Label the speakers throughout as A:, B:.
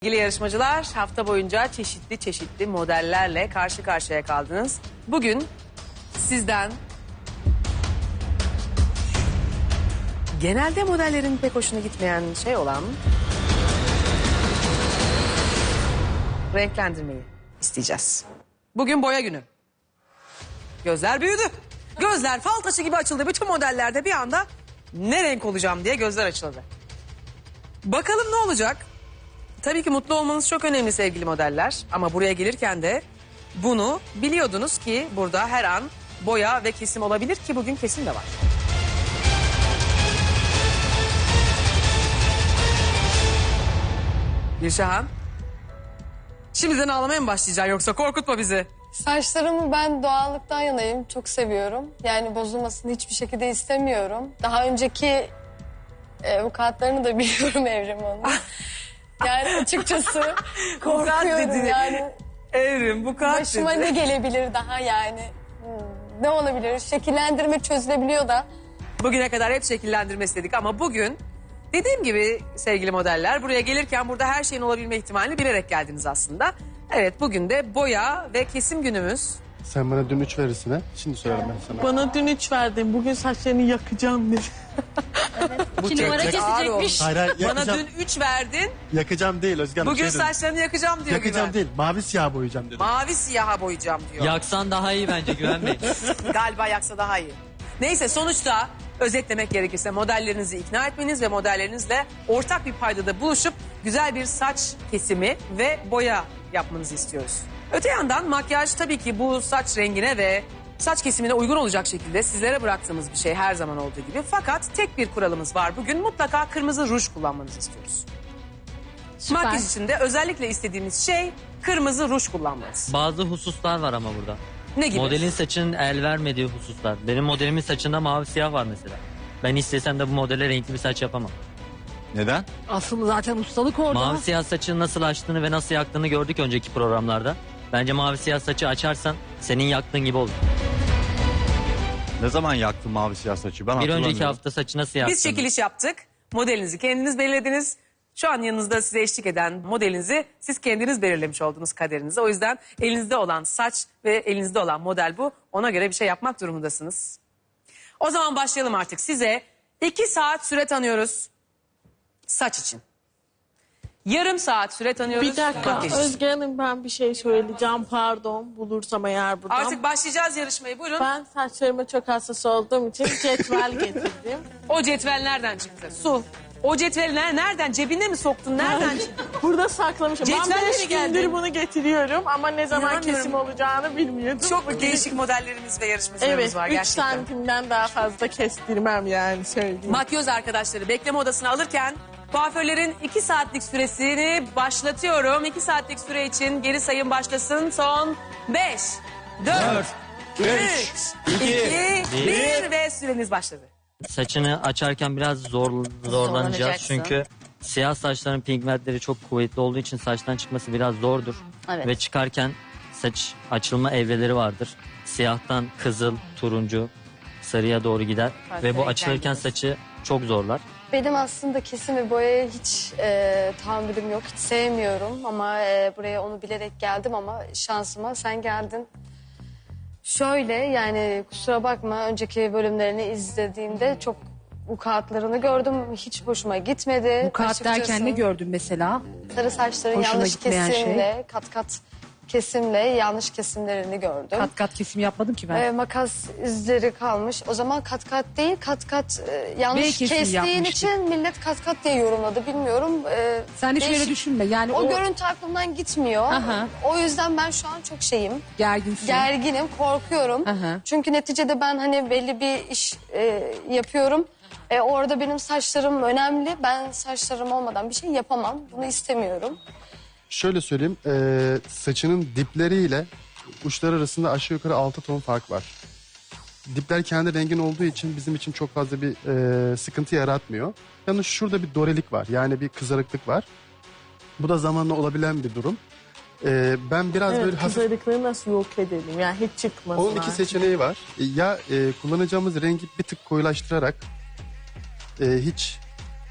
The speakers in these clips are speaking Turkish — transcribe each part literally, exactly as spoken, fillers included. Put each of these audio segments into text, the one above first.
A: Sevgili yarışmacılar, hafta boyunca çeşitli çeşitli modellerle karşı karşıya kaldınız. Bugün sizden genelde modellerin pek hoşuna gitmeyen şey olan renklendirmeyi isteyeceğiz. Bugün boya günü. Gözler büyüdü. Gözler fal taşı gibi açıldı. Bütün modellerde bir anda ne renk olacağım diye gözler açıldı. Bakalım ne olacak? Tabii ki mutlu olmanız çok önemli sevgili modeller. Ama buraya gelirken de bunu biliyordunuz ki burada her an boya ve kesim olabilir ki bugün kesim de var. Gülşahan, şimdiden ağlamaya mı başlayacaksın yoksa korkutma bizi.
B: Saçlarımı ben doğallıktan yanayım. Çok seviyorum. Yani bozulmasını hiçbir şekilde istemiyorum. Daha önceki e, vukuatlarını da biliyorum Evrim Hanım. Yani açıkçası korkuyorum yani.
A: Evrim, bu kadar
B: Başıma
A: dedi.
B: ne gelebilir daha yani? Hmm, ne olabilir? Şekillendirme çözülebiliyor da.
A: Bugüne kadar hep şekillendirme istedik ama bugün dediğim gibi sevgili modeller buraya gelirken burada her şeyin olabilme ihtimalini bilerek geldiniz aslında. Evet, bugün de boya ve kesim günümüz.
C: Sen bana dün üç verirsin ha. Şimdi söylerim ben sana.
D: Bana dün üç verdin. Bugün saçlarını yakacağım dedi.
A: Bu
E: İki numara
A: tek- ağır olmuş.
E: kesecekmiş.
C: Hayır hayır
A: Bana
C: yakacağım.
A: dün üç verdin.
C: Yakacağım değil Özgen.
A: Bugün
C: şey dedim.
A: saçlarını yakacağım diyor
C: Yakacağım
A: Güven.
C: değil. Mavi siyah boyayacağım dedim.
A: Mavi siyaha boyayacağım diyor.
E: Yaksan daha iyi bence Güven Bey.
A: Galiba yaksa daha iyi. Neyse, sonuçta özetlemek gerekirse modellerinizi ikna etmeniz ve modellerinizle ortak bir paydada buluşup güzel bir saç kesimi ve boya yapmanızı istiyoruz. Öte yandan makyaj tabii ki bu saç rengine ve saç kesimine uygun olacak şekilde sizlere bıraktığımız bir şey her zaman olduğu gibi. Fakat tek bir kuralımız var. Bugün mutlaka kırmızı ruj kullanmanızı istiyoruz.
B: Süper.
A: Makyaj için de özellikle istediğimiz şey kırmızı ruj kullanmanız.
E: Bazı hususlar var ama burada.
A: Ne gibi?
E: Modelin saçının el vermediği hususlar. Benim modelimin saçında mavi siyah var mesela. Ben istesem de bu modele renkli bir saç yapamam.
F: Neden?
D: Aslında zaten ustalık orada.
E: Mavi siyah saçını nasıl açtığını ve nasıl yaktığını gördük önceki programlarda. Bence mavi siyah saçı açarsan senin yaktığın gibi olur.
F: Ne zaman yaktın mavi siyah saçı? Ben
E: Bir önceki
F: hatırlamıyorum.
E: hafta saçı nasıl yaktın?
A: Biz çekiliş yaptık. Modelinizi kendiniz belirlediniz. Şu an yanınızda size eşlik eden modelinizi siz kendiniz belirlemiş oldunuz kaderinizi. O yüzden elinizde olan saç ve elinizde olan model bu. Ona göre bir şey yapmak durumundasınız. O zaman başlayalım artık. Size iki saat süre tanıyoruz saç için. Yarım saat süre tanıyoruz.
D: Bir dakika
A: makyaj için.
D: Özge Hanım, ben bir şey söyleyeceğim, pardon, bulursam eğer buradan.
A: Artık başlayacağız yarışmayı, buyurun.
D: Ben saçlarıma çok hassas olduğum için cetvel getirdim.
A: O cetvel nereden çıktı? Su. O cetvel ne- nereden? Cebine mi soktun? Nereden çıktı?
D: Burada saklamışım.
A: Cetvelle
D: Ben
A: mi
D: beş
A: geldin?
D: gündür bunu getiriyorum ama ne zaman
A: İnanmıyorum.
D: kesim olacağını bilmiyordum.
A: Çok değişik modellerimiz ve yarışmacılarımız
D: Evet,
A: var
D: üç
A: gerçekten.
D: santimden daha fazla kestirmem yani söyleyeyim.
A: Makyöz arkadaşları bekleme odasına alırken kuaförlerin iki saatlik süresini başlatıyorum. iki saatlik süre için geri sayım başlasın. Son beş, dört, üç, iki, bir ve süreniz başladı.
E: Saçını açarken biraz zor zorlanacağız.
A: Zorlanacaksın.
E: Çünkü siyah saçların pigmentleri çok kuvvetli olduğu için saçtan çıkması biraz zordur.
G: Evet.
E: Ve çıkarken saç açılma evreleri vardır. Siyahtan kızıl, turuncu, sarıya doğru gider.
G: Farklı
E: Ve bu
G: renkler
E: açılırken
G: gider.
E: saçı çok zorlar.
B: Benim aslında kesim ve boyaya hiç e, tahammülüm yok. Hiç sevmiyorum ama e, buraya onu bilerek geldim ama şansıma sen geldin. Şöyle yani kusura bakma, önceki bölümlerini izlediğimde çok vukuatlarını gördüm. Hiç hoşuma gitmedi.
G: Bu kağıt
B: Açıkçası
G: derken ne gördün mesela?
B: Sarı saçların
G: Hoşuna
B: yanlış
G: gitmeyen şey?
B: kesimle, kat kat kesimle yanlış kesimlerini gördüm.
G: Kat kat kesim yapmadım ki ben.
B: Ee, makas izleri kalmış. O zaman kat kat değil, kat kat e, yanlış
G: B kesimi
B: kestiğin
G: yapmıştık.
B: için millet kat kat diye yorumladı. Bilmiyorum. Ee,
G: Sen hiç öyle
B: değişik-
G: düşünme. Yani
B: O,
G: o,
B: görüntü aklımdan gitmiyor.
G: Aha.
B: O yüzden ben şu an çok şeyim.
G: gerginsin.
B: Gerginim, korkuyorum.
G: Aha.
B: Çünkü neticede ben hani belli bir iş e, yapıyorum. E, orada benim saçlarım önemli. Ben saçlarım olmadan bir şey yapamam. Bunu istemiyorum.
C: Şöyle söyleyeyim. E, saçının dipleriyle uçları arasında aşağı yukarı altı ton fark var. Dipler kendi rengin olduğu için bizim için çok fazla bir e, sıkıntı yaratmıyor. Yalnız şurada bir dorelik var. Yani bir kızarıklık var. Bu da zamanla olabilen bir durum. E, ben biraz
D: Evet,
C: böyle hafif...
D: kızarıklığı nasıl yok edelim yani hiç çıkmasın.
C: Onun iki seçeneği var. E, Ya e, kullanacağımız rengi bir tık koyulaştırarak e, hiç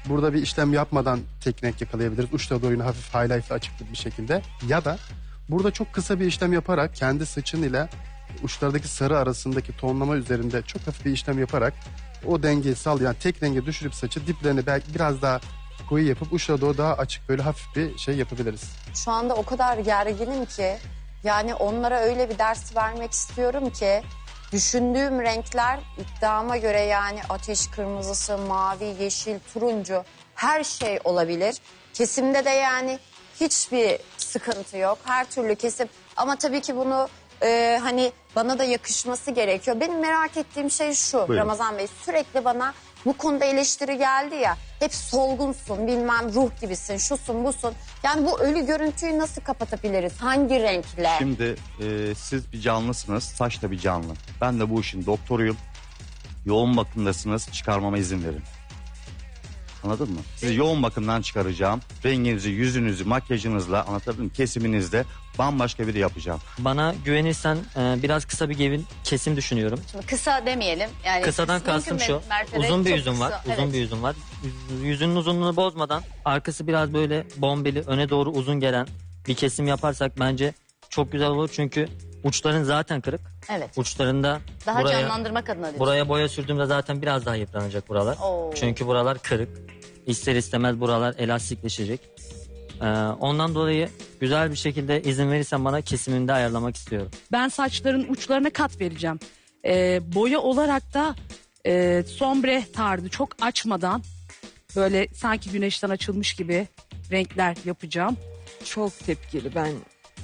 C: Burada bir işlem yapmadan tek renk yakalayabiliriz. Uçta doğru hafif highlight'lı açık bir şekilde. Ya da burada çok kısa bir işlem yaparak kendi saçın ile uçlardaki sarı arasındaki tonlama üzerinde çok hafif bir işlem yaparak o dengeyi sağlayan, yani tek renge düşürüp saçı diplerini belki biraz daha koyu yapıp uçlara doğru daha açık böyle hafif bir şey yapabiliriz.
H: Şu anda o kadar gerginim ki yani onlara öyle bir ders vermek istiyorum ki düşündüğüm renkler iddiama göre yani ateş kırmızısı, mavi, yeşil, turuncu her şey olabilir. Kesimde de yani hiçbir sıkıntı yok. Her türlü kesim ama tabii ki bunu e, hani bana da yakışması gerekiyor. Benim merak ettiğim şey şu.
F: Buyurun.
H: Ramazan Bey, sürekli bana bu konuda eleştiri geldi ya. Hep solgunsun, bilmem ruh gibisin, şusun busun. Yani bu ölü görüntüyü nasıl kapatabiliriz? Hangi renkle?
F: Şimdi e, siz bir canlısınız, saç da bir canlı. Ben de bu işin doktoruyum. Yoğun bakımdasınız, çıkarmama izin verin. Anladın mı? Sizi yoğun bakımdan çıkaracağım. Renginizi, yüzünüzü, makyajınızla, anlatabildim mi? Kesiminizle bambaşka biri yapacağım.
E: Bana güvenirsen e, biraz kısa bir gevin kesim düşünüyorum.
I: Şimdi kısa demeyelim. Yani
E: Kısadan
I: mümkün
E: kastım şu.
I: mertebe
E: Uzun bir
I: çok
E: yüzün var.
I: kısa.
E: Uzun
I: Evet.
E: bir yüzün var. Yüz- Yüzünün uzunluğunu bozmadan arkası biraz böyle bombeli, öne doğru uzun gelen bir kesim yaparsak bence çok güzel olur. Çünkü uçların zaten kırık.
I: Evet.
E: Uçlarında
I: Daha
E: buraya,
I: canlandırmak adına diyorsun.
E: buraya boya sürdüğümde zaten biraz daha yıpranacak buralar.
I: Oo.
E: Çünkü buralar kırık. İster istemez buralar elastikleşecek. Ee, ondan dolayı güzel bir şekilde izin verirsen bana kesimini ayarlamak istiyorum.
G: Ben saçların uçlarına kat vereceğim. Ee, boya olarak da e, sombre tarzı çok açmadan böyle sanki güneşten açılmış gibi renkler yapacağım.
J: Çok tepkili ben.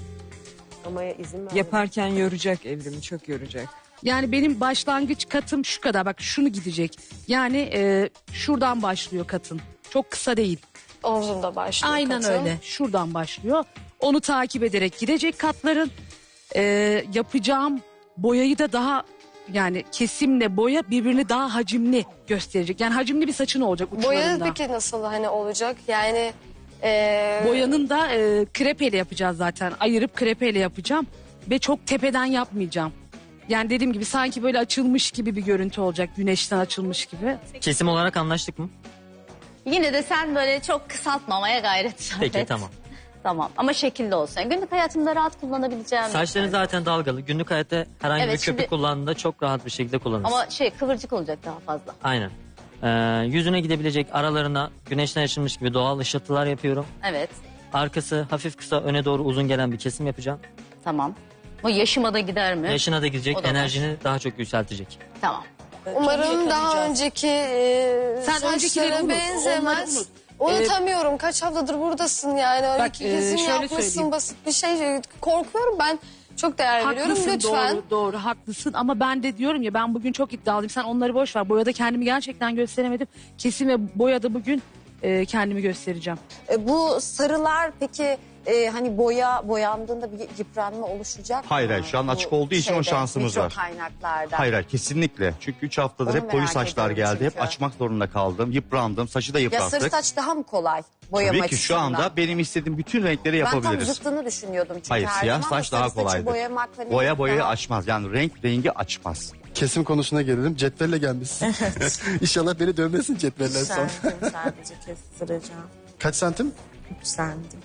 A: Ama izin ver.
J: Yaparken yoracak evrimi, çok yoracak.
G: Yani benim başlangıç katım şu kadar, bak şunu gidecek. Yani e, şuradan başlıyor katın. Çok kısa değil.
B: Omzumda başlıyor
G: Aynen
B: katım.
G: öyle. Şuradan başlıyor. Onu takip ederek gidecek katların. Ee, yapacağım boyayı da daha yani kesimle boya birbirini daha hacimli gösterecek. Yani hacimli bir saçın olacak
B: Boya
G: uçlarında.
B: peki nasıl hani olacak? Yani e,
G: Boyanın da e, krepeyle yapacağız zaten. Ayırıp krepeyle yapacağım. Ve çok tepeden yapmayacağım. Yani dediğim gibi sanki böyle açılmış gibi bir görüntü olacak. Güneşten açılmış gibi.
E: Kesim olarak anlaştık mı?
I: Yine de sen böyle çok kısaltmamaya gayret sarf
E: Peki
I: et.
E: tamam.
I: Tamam ama şekilli olsun. Yani günlük hayatımda rahat kullanabileceğim.
E: Saçların zaten dalgalı. Günlük hayatta herhangi
I: Evet,
E: bir köpük
I: şimdi-
E: kullandığında çok rahat bir şekilde kullanırsın.
I: Ama şey kıvırcık olacak daha fazla.
E: Aynen. Ee, yüzüne gidebilecek aralarına güneşten açılmış gibi doğal ışıltılar yapıyorum.
I: Evet,
E: Arkası hafif kısa öne doğru uzun gelen bir kesim yapacağım.
I: tamam. Bu yaşıma da gider mi?
E: Yaşına da gidecek,
I: O da var.
E: enerjini daha çok yükseltecek.
I: Tamam.
B: umarım daha önceki e,
G: Sen
B: saçlara
G: öncekileri unut,
B: benzemez.
G: onları unut.
B: Unutamıyorum. Kaç haftadır buradasın yani. Öyle
G: Bak,
B: ki
G: e,
B: kesim
G: şöyle
B: yapmışsın,
G: söyleyeyim.
B: basit bir şey. Korkuyorum ben. Çok değer veriyorum.
G: Haklısın,
B: Lütfen.
G: doğru doğru haklısın ama ben de diyorum ya ben bugün çok iddialıyım. Sen onları boş ver. Boyada kendimi gerçekten gösteremedim. Kesim ve boyada bugün e, kendimi göstereceğim.
H: E, bu sarılar peki e, hani boya boyandığında bir yıpranma oluşacak mı?
F: Hayır, hayır, şu an
H: Bu
F: açık olduğu için o
H: şeyde,
F: şansımız
H: mikro
F: var.
H: kaynaklarda.
F: Hayır hayır kesinlikle. Çünkü üç haftadır
H: Onu
F: hep koyu
H: merak
F: saçlar
H: ediyorum
F: geldi. Hep
H: çünkü.
F: açmak zorunda kaldım. Yıprandım. Saçı da
H: Ya
F: yıprattık.
H: sarı saç daha mı kolay boyamak
F: Tabii ki şu
H: açısından?
F: anda benim istediğim bütün renkleri
H: Ben tam
F: yapabiliriz.
H: zıttını düşünüyordum çünkü
F: Hayır,
H: her
F: siyah
H: zaman da
F: saç daha
H: sarı saçı
F: kolaydır.
H: boyamak hani
F: Boya boyayı
H: daha-
F: açmaz. Yani renk rengi açmaz.
C: Kesim konusuna gelelim. Cetvelle gelmişsin. İnşallah beni dövmesin cetveller son.
J: Sentim sadece kestireceğim.
C: Kaç santim?
J: Üç santim.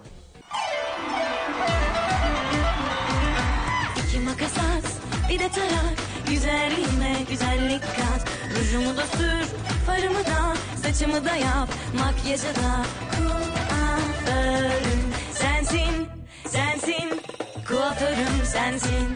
K: İki makas at, bir de tarak. Güzelliğime güzellik kat. Rujumu da sür, farımı da, saçımı da yap. Makyajı da kuaförüm sensin, sensin. Kuaförüm sensin.